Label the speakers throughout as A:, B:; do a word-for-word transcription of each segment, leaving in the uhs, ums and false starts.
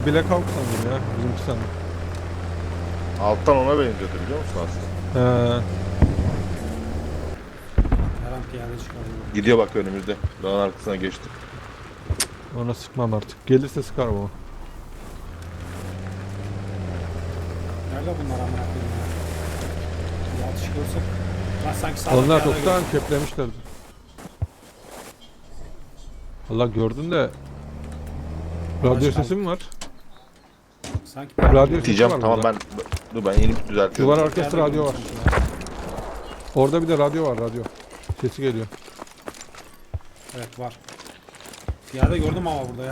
A: Black Hawk sandım ya. Bizimki sandım.
B: Alttan ona benziyordu biliyor musun aslında?
A: He.
C: Her an piyade çıkarıyor.
B: Gidiyor bak önümüzde. Dağın arkasına geçti.
A: Ona sıkmam artık. Gelirse sıkarım o.
C: Nerede bunlar amına koyayım ya? Bir atış görsek. Lan sanki sağda
A: Onlar
C: piyade
A: çoktan
C: gördüm.
A: keplemişlerdi. Allah gördün de. Radyo
C: Başkan.
A: sesi mi var?
C: Sanki piyade
A: Radyo
C: gördüm.
A: sesi
B: Diyeceğim
A: var
B: tamam
A: burada.
B: ben dur ben inip düzeltiyorum.
A: Duvar arkası
C: Piyade
A: radyo var.
C: gördüm sanki ya.
A: Orada bir de radyo var, radyo. Sesi geliyor.
C: Evet var. Piyade gördüm ama burada ya.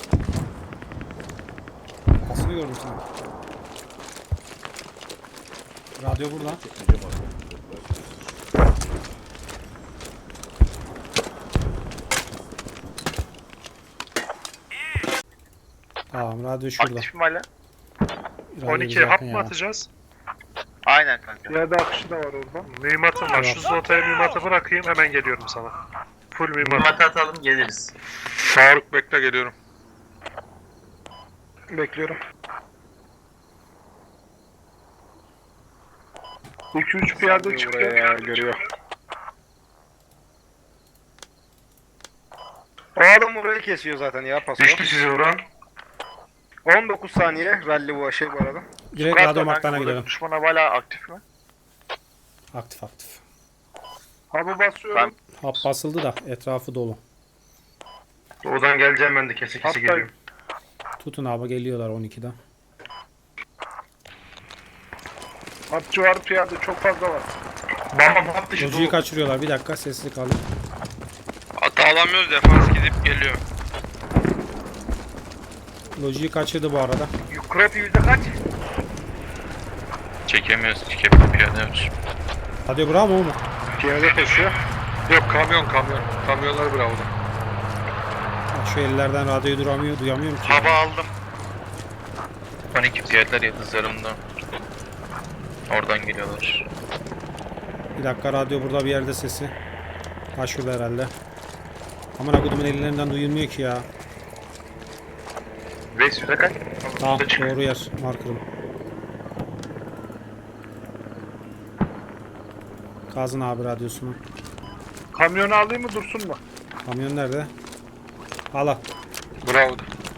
C: Kafasını gördüm sanki. Radyo burada. Tamam radyo şurada.
D: Aktif mi hala?
C: Radyo
D: on iki
C: bize
D: hap
C: yakın
D: mı
C: ya.
D: atacağız?
E: Aynen kanka.
D: Piyade akışı da var orada. Mühimmatım var. Şu zotaya mühimmatı bırakayım hemen geliyorum sana. Full mühimmat.
E: Mühimmat atalım geliriz.
D: Faruk bekle geliyorum. Bekliyorum. iki üç piyade çıktı. Ya, görüyor.
F: O adam orayı kesiyor zaten ya paso.
D: Düştü sizi vuran.
F: on dokuz saniye rally bu şey bu arada.
C: Direkt radyo maktana gidelim.
D: Düşman hala aktif mi?
C: Aktif aktif.
D: Hapı basıyorum.
C: Hap basıldı da etrafı dolu.
D: Oradan geleceğim ben de kese kese geliyorum.
C: Tutun abi geliyorlar on ikide.
D: Hapçı var piyade çok fazla var. Bam bam hap dışı
C: Lojiyi kaçırıyorlar. Bir dakika sesli kalın.
G: Hatta alamıyoruz defans gidip geliyor.
C: Lojiyi kaçırdı bu arada.
F: Kropi yüzde kaç?
G: Çekemiyoruz, çekemiyoruz, piyade.
C: Radyo bravo mu?
D: Piyade taşıyor. Yok kamyon kamyon. Kamyonlar bravo.
C: Bak şu ellerden radyoyu duramıyor, duyamıyorum ki.
G: Hava aldım. on iki piyadeler yıldızlarımda. Oradan geliyorlar.
C: Bir dakika radyo burada bir yerde sesi. Ha şurada herhalde. Aman akudumun ellerinden duyulmuyor ki ya.
D: Reis yüzde kaç?
C: Tamam doğru yer markerım. Kazın abi radyosunu.
D: Kamyonu alayım mı dursun mu?
C: Kamyon nerede? Al al.
D: Bravo.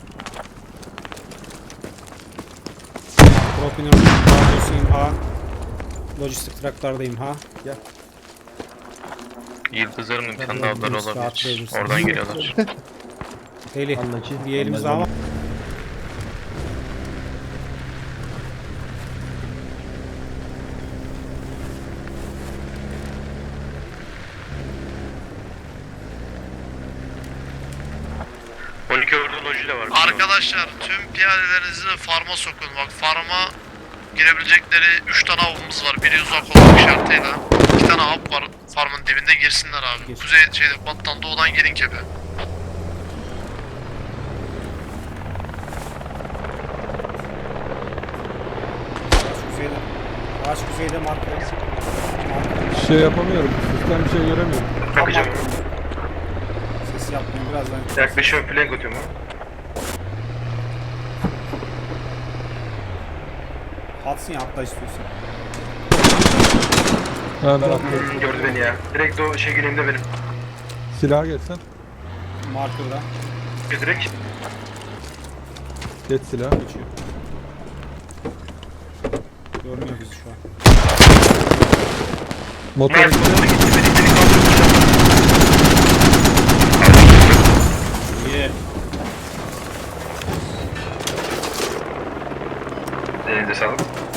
C: Propin'in radyosuyum ha. Lojistik traktardayım ha. Gel.
G: Yıldızlarımın
C: Tabii,
G: kendi avları
C: rahat
G: olabilir.
C: verirsin.
G: Oradan geliyorlar.
C: Eli. Bir elimiz daha var.
G: on iki orada loji de var.
H: Arkadaşlar tüm piyadelerinizi farma sokun. Bak farma girebilecekleri üç tane avımız var. Biri uzak olmak şartıyla. iki tane av var farmın dibinde girsinler abi.
C: Gir.
H: Kuzey şeyde battan doğudan girin kepe.
C: Ağaç kuzeyde. Ağaç kuzeyde marker. Marker.
A: Şey yapamıyorum. Sistem bir şey göremiyorum.
C: Tam marker. Ses yapmıyor birazdan.
D: Yaklaşıyorum flank atıyorum ha.
C: Atsın ya atla istiyorsan.
A: Ha ben atlıyorum.
D: Gördü beni ya. Direkt o şey güneyimde benim.
A: Silaha geçsen.
C: Marker'da.
D: Direkt.
A: Geç silah.
C: Geçiyor. Görmüyor bizi şu an.
A: Motor
D: Mert
A: gitti.
D: motora gitti beni beni kaldırmış.
C: İyi.
D: Elinize sağlık.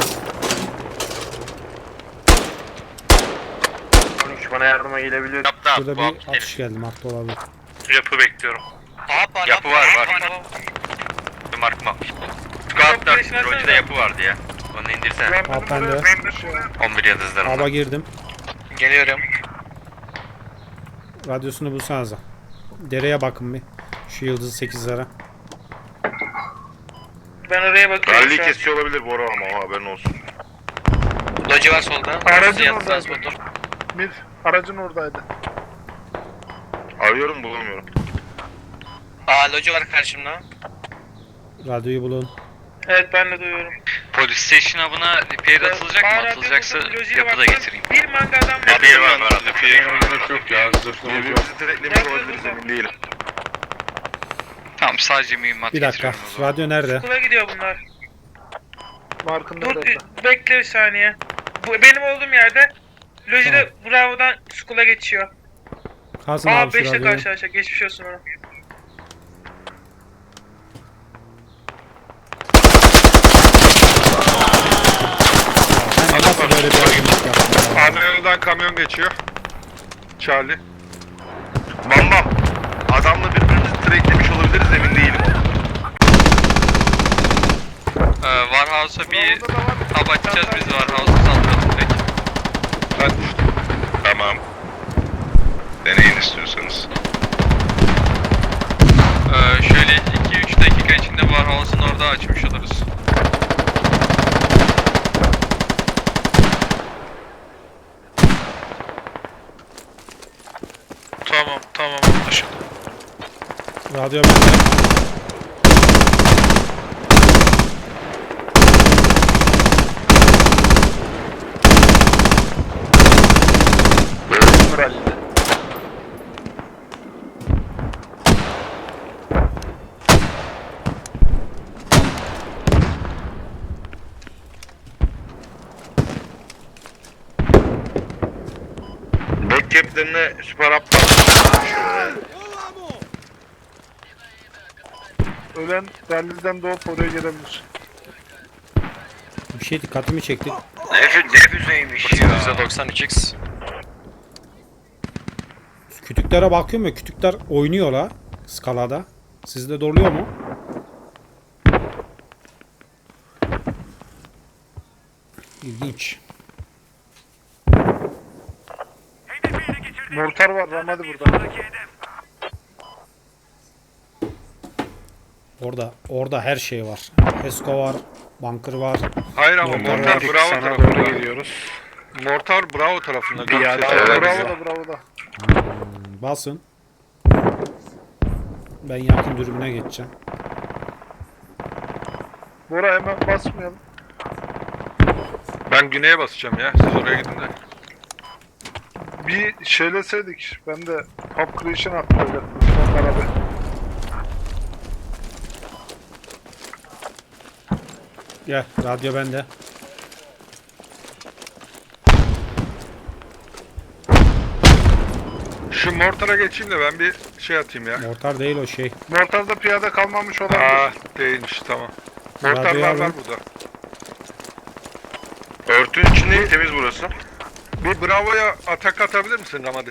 D: on üç bana yardıma gelebiliyor.
G: Yaptı
C: Şurada
G: abi, bu
C: bir
G: hap
C: atış geldi. Markta olabilir.
G: Yapı bekliyorum. Yapı var var. Bir mark mı? Scout'lar, Roji'de yapı vardı ya. Onu indirsene.
C: Hap bende.
G: on bir yıldızlarımda.
C: Hava girdim.
G: Geliyorum.
C: Radyosunu bulsanıza. Dereye bakın bir. Şu yıldız sekizlere.
G: Ben oraya bakıyorum
B: Rally
G: şu an.
B: kesiyor olabilir Bora ama o haberin olsun.
G: Loji var solda.
D: Aracın
G: Yat
D: oradaydı.
G: transporter.
D: Mid aracın oradaydı.
B: Arıyorum bulamıyorum.
G: Aa loji var karşımda.
C: Radyoyu bulun.
I: Evet ben de duyuyorum.
G: Polis station hub'ına repair atılacak mı?
I: Bağır
G: Atılacaksa
I: radyo bulsun, lojiye
G: yapı da
I: baksın.
G: getireyim.
I: Bir mangadan var.
G: Repair var var.
B: Gerek yok ya. Birbirimizi direklemiş olabiliriz emin değilim.
G: Tamam sadece mühimmat
C: Bir dakika.
G: getiriyorum o zaman.
C: Radyo nerede?
I: Okula gidiyor bunlar.
F: Markında
I: Dur
F: da.
I: bekle bir saniye. Bu benim olduğum yerde lojide Bravo'dan Skull'a geçiyor.
C: Kalsın
I: Aa
C: abi şu
I: beşle
C: radyoyu.
I: karşılaşacak. Geçmiş olsun ona.
C: Sen nasıl böyle bir argument yaptın ya?
B: Ana yoldan kamyon geçiyor. Charlie. Bam bam. Adamla birbirimizi direklemiş olabiliriz emin değilim.
G: Ee, Warhouse'a bir hub açacağız biz Warhouse'a saldıralım direkt.
B: Ben düştüm. Tamam. Deneyin istiyorsanız.
G: Ee, şöyle iki üç dakika içinde Warhouse'un orada açmış oluruz.
H: Tamam tamam anlaşıldı.
C: Radyo bende.
B: Back cap'lerine süper aptal.
F: Ölen ralliden doğup oraya gelebilir.
C: Bir şey dikkatimi çekti.
G: yüzde doksan üç x.
C: Kütüklere bakıyorum ya, kütükler oynuyor la skalada. Sizde doğruluyor mu? İlginç.
F: Mortar var Ramadi burada.
C: Orada orada her şey var. Esko var, bunker var.
B: Hayır ama
C: Mortar
B: Mortar
C: var.
B: Bravo
F: Sana
B: tarafında.
F: doğru geliyoruz.
B: Mortar Bravo tarafında.
F: Bravo
B: Göksel.
F: da bravo da.
C: Basın. Ben yakın dürbüne geçeceğim.
F: Bora hemen basmayalım.
B: Ben güneye basacağım ya. Siz oraya gidin de.
F: Bir şeyleseydik. Ben de Pop Creation attıracaktım. Onlara bir.
C: Gel, radyo bende.
B: Şu Mortar'a geçeyim de ben bir şey atayım ya.
C: Mortar değil o şey.
F: Mortarda piyade kalmamış olabilir.
B: Aa değilmiş tamam. Mortar
C: Radyoyu
B: var
C: alın.
B: var burada. Örtünün içinde temiz burası. Bir Bravo'ya atak atabilir misin Ramadi?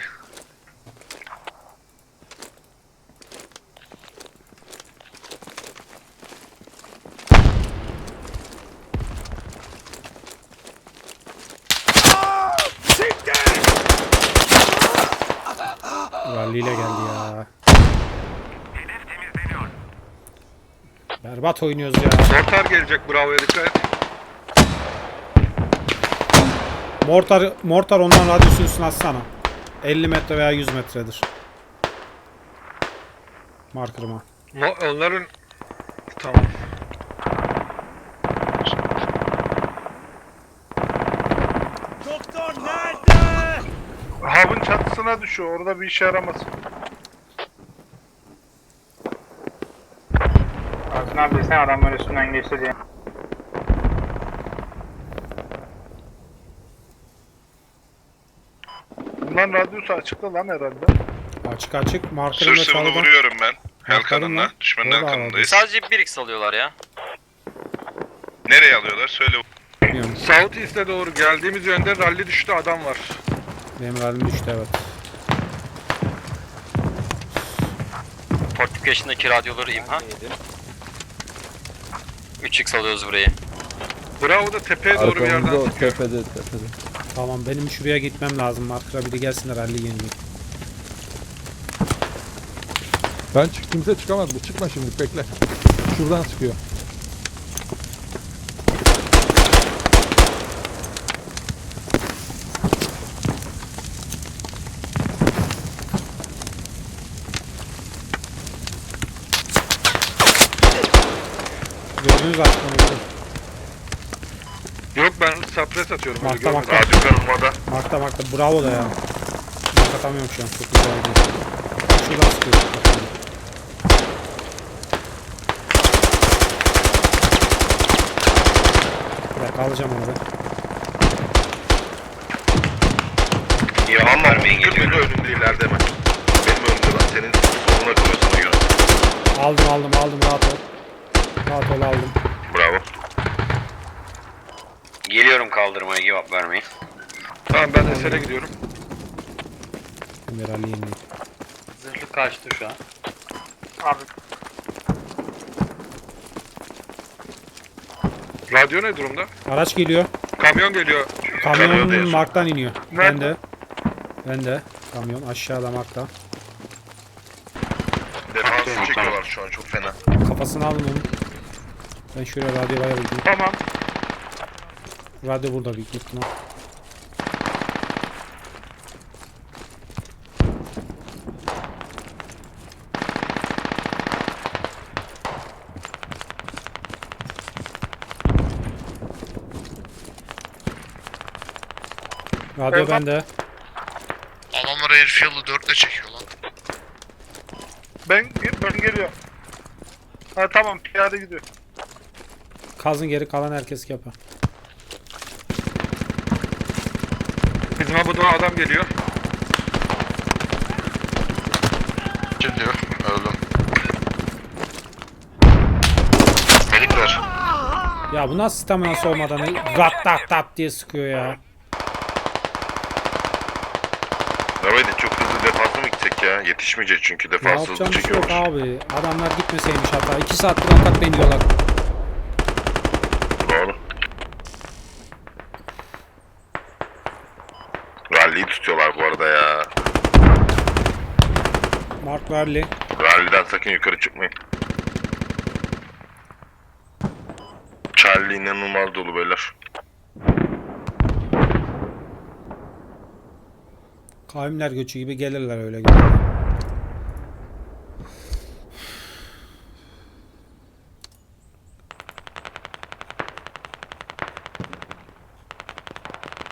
C: Rally ile geldi ya. Berbat oynuyoruz ya.
B: Mortar gelecek Bravo'ya dikkat et.
C: Mortar, mortar ondan radyosunu üstüne atsana. elli metre veya yüz metredir. Markerıma.
B: Mo- onların... Tamam.
F: Hub'ın çatısına düşüyor. Orada bir işe yaramaz.
I: Aslında abi sen adamlar üstünden geçti diye.
F: Bunların radyosu açıkta lan herhalde.
C: Açık açık. Markerım ve çalıda.
B: vuruyorum ben.
C: Markerım var.
B: Düşmanın
C: Orada
B: arkamındayız.
G: Sadece bir x alıyorlar ya.
B: Nereye alıyorlar? Söyle.
C: Bilmiyorum.
B: South East'e doğru geldiğimiz yönde rally düştü adam var.
C: Benim rallim düştü evet.
G: Fortification'daki radyoları imha. üç x alıyoruz burayı.
B: Bravo da tepeye doğru bir yerden sıkıyor.
A: tepede tepede.
C: Tamam benim şuraya gitmem lazım. Marker'a biri gelsin de rally yenileyim.
A: Ben çık kimse çıkamaz bu. Çıkma şimdi bekle. Şuradan sıkıyor.
C: Gözünüz açık onu.
A: Yok ben sapres atıyorum. öyle
C: Markta
A: görmedim.
C: markta.
B: Radyo karılmada.
C: Markta markta. Bravo da ya. Mark atamıyorum şu an. Çok güzel oldu. Şuradan sıkıyor. Bir dakika alacağım onu ben.
B: Ya ama kırmızı önünde ileride hemen. Benim önümde lan. Senin soluna kalıyor sana göre.
C: Aldım aldım aldım rahat ol. Rahat ol aldım.
B: Bravo.
G: Geliyorum kaldırmaya, cevap vermeyin.
A: Tamam ben Eser'e gidiyorum.
C: Ömer Ali yeni.
G: Zırhlı kaçtı şu an.
D: Abi
A: Radyo ne durumda?
C: Araç geliyor.
A: Kamyon geliyor.
B: Kamyon
C: Kamyon
B: değil.
C: Mark'tan iniyor. Ben
D: Nerede?
C: de. Ben de. Kamyon aşağıda Mark'ta.
B: Defansı çekiyorlar şu an çok fena.
C: Kafasını alın onu. Ben şöyle radyoya bayabildim.
D: tamam.
C: Radyo burada büyük ihtimal. Radyo
D: Evet.
C: bende.
H: Adamlar Airfield'ı dörtle çekiyor lan.
F: Ben, ben geliyorum. Ha tamam piyade gidiyor.
C: Kazın geri kalan herkes yapar.
A: Bizim abudan adam geliyor.
B: Geliyor. Öldüm. Melikler.
C: Ya bu nasıl staminası olmadan rat tat tat diye sıkıyor ya.
B: Arabayla çok hızlı defansa mı gitsek ya? Yetişmeyecek çünkü
C: Ne
B: defans hızlı
C: yapacağım bir şey yok
B: çekiyormuş.
C: abi. Adamlar gitmeseymiş hatta. iki saattir atak deniyorlar.
B: Doğru. Rally'yi tutuyorlar bu arada ya.
C: Mark Verli.
B: Rally'den sakın yukarı çıkmayın. Charlie inanılmaz dolu beyler.
C: Kavimler göçü gibi gelirler öyle gelirler.